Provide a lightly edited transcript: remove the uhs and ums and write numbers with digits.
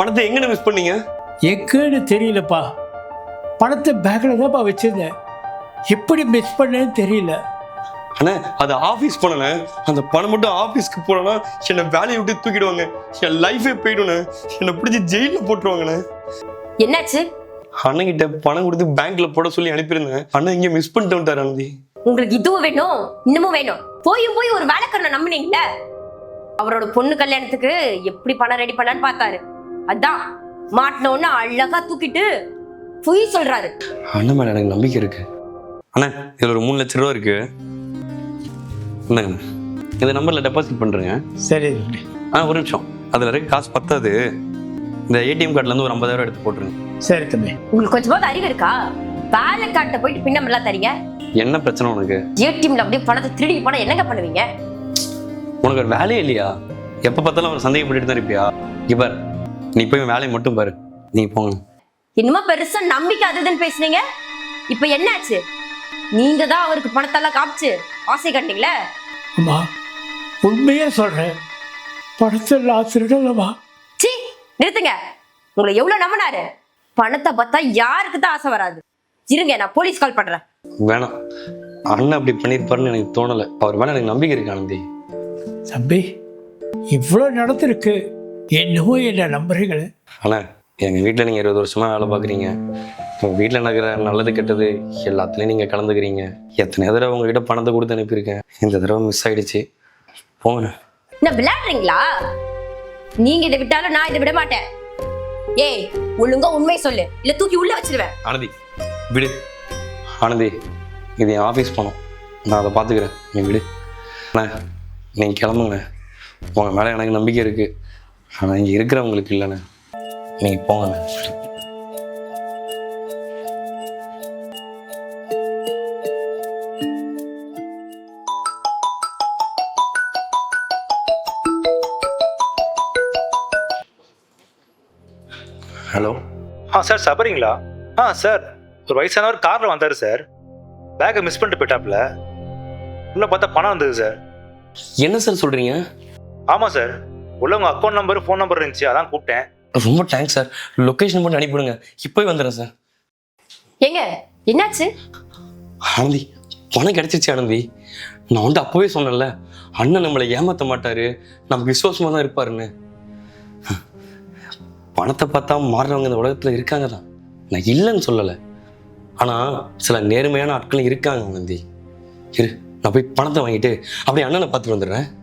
பணத்தை எங்கன்னு மிஸ் பண்ணீங்க? எங்கன்னு தெரியலப்பா. பணத்தை பேக்கில் தான்ப்பா வச்சிருந்தேன். எப்படி மிஸ் பண்ணேன்னு தெரியல. அண்ணா அது ஆஃபீஸ் போனேண்ணே. அந்த பணம் மட்டும் ஆஃபீஸ்க்கு போனேன்னா என்னை வேலையை விட்டு தூக்கிடுவாங்க. என் லைஃபே போயிடும்ண்ணே. என்னை பிடிச்சி ஜெயிலில் போட்டுருவாங்கண்ணே. என்னாச்சு? அண்ணன் கிட்ட பணம் கொடுத்து பேங்க்ல போட சொல்லி அனுப்பியிருந்தேன். அண்ணன் இங்கே மிஸ் பண்ணிட்டு வந்துட்டார் ஆனந்தி. உங்களுக்கு இதுவும் வேணும் இன்னமும் வேணும். போய் ஒரு வேலைக்காரனை நம்பினீங்கல்ல. அவரோட பொண்ணு கல்யாணத்துக்கு எப்படி பணம் ரெடி பண்ணான்னு பார்த்தாரு. அதான் மாட்டினோன்னு அழகா தூக்கிட்டு பொய் சொல்றாரு. அண்ணன் மேல எனக்கு நம்பிக்கை இருக்கு. அண்ணா இதுல ஒரு 3 லட்சம் ரூபா இருக்கு. என்னங்க இந்த நம்பர்ல டெபாசிட் பண்றேங்க. சரி. ஒரு நிமிஷம். அதுல இருக்க காசு பத்தாது. இந்த ஏடிஎம் கார்டுல இருந்து ஒரு 50,000 எடுத்து போட்டுருங்க. சரி தம்பி. உங்களுக்கு கொஞ்சமாவது அறிவு இருக்கா? வேலை காட்ட போயிட்டு பின்னம் எல்லாம் தரீங்க. என்ன பிரச்சனை உனக்கு? ஏடிஎம்ல அப்படியே பணத்தை திருடி போனா என்னங்க பண்ணுவீங்க? உனக்கு ஒரு வேலையே இல்லையா? எப்ப பார்த்தாலும் அவர் சந்தேகப்பட்டு தான் இருப்பியா? இப்ப நீ போய் வேலையை மட்டும் பாரு. நீங்க போங்க. என்னமோ பெருசா நம்பிக்கை அதுன்னு பேசுனீங்க. இப்ப என்னாச்சு? நீங்க தான் அவருக்கு பணத்தெல்லாம் காமிச்சு ஆசை கட்டிங்களே. அம்மா உண்மையே சொல்றேன். பணத்தை நான் திருடலமா? சீ நிறுத்துங்க. உங்களை எவ்வளவு நம்பினாரு. பணத்தை பார்த்தா யாருக்கு தான் ஆசை வராது. இருங்க நான் போலீஸ் கால் பண்றேன். வேணாம். அண்ணன் அப்படி பண்ணிருப்பாருன்னு எனக்கு தோணல. அவர் மேல எனக்கு நம்பிக்கை இருக்கு ஆனந்தி. தம்பி இவ்வளோ நடந்திருக்கு, என்னமோ என்ன நம்புறீங்களே. அண்ணா எங்க வீட்டுல நீங்க 20 வருஷமா வேலை பாக்குறீங்க. உங்க வீட்டுல நடக்கிற நல்லது கெட்டது எல்லாத்துலயும் நீங்க கலந்துக்கிறீங்க. எத்தனை தடவை உங்ககிட்ட பணத்தை கொடுத்து அனுப்பியிருக்கேன். இந்த தடவை மிஸ் ஆயிடுச்சு. போங்க. என்ன விளையாடுறீங்களா? நீங்க இதை விட்டாலும் நான் இதை விட மாட்டேன். ஏய் ஒழுங்கா உண்மை சொல்லு, இல்ல தூக்கி உள்ள வச்சிருவேன். ஆனந்தி விடு. ஆனந்தி இது என் ஆஃபீஸ் போனோம். நான் அதை பார்த்துக்கிறேன். நீ விடு. அண்ணா நீங்கள் கிளம்புங்கண்ணே. உங்கள் மேலே எனக்கு நம்பிக்கை இருக்குது. ஆனால் இங்கே இருக்கிறவங்களுக்கு இல்லைண்ணே. நீங்கள் போங்கண்ணே. ஹலோ. சார் சபரிங்களா? சார் ஒரு வயசானவர் காரில் வந்தார் சார். பேக்கை மிஸ் பண்ணிட்டு போயிட்டாப்புல. உள்ள பார்த்தா பணம் வந்தது சார். என்ன சார் சொல்கிறீங்க? ஆமாம் சார். உள்ள உங்கள் அக்கௌண்ட் நம்பர் ஃபோன் நம்பர் இருந்துச்சு, அதான் கூப்பிட்டேன். ரொம்ப தேங்க்ஸ் சார். லொக்கேஷன் மட்டும் அனுப்பிவிடுங்க. இப்போ வந்துடுறேன் சார். ஏங்க என்னாச்சு? ஆனந்தி பணம் கிடைச்சிருச்சு ஆனந்தி. நான் வந்து அப்போவே சொன்னேன்ல, அண்ணன் நம்மளை ஏமாற்ற மாட்டாரு, நமக்கு விசுவாசமாக தான் இருப்பாருன்னு. பணத்தை பார்த்தா மாறுறவங்க இந்த உலகத்தில் இருக்காங்க தான். நான் இல்லைன்னு சொல்லலை. ஆனால் சில நேர்மையான ஆட்களும் இருக்காங்க ஆனந்தி. இரு நான் போய் பணத்தை வாங்கிட்டு அப்படியே அண்ணனை பார்த்துட்டு வந்துடுறேன்.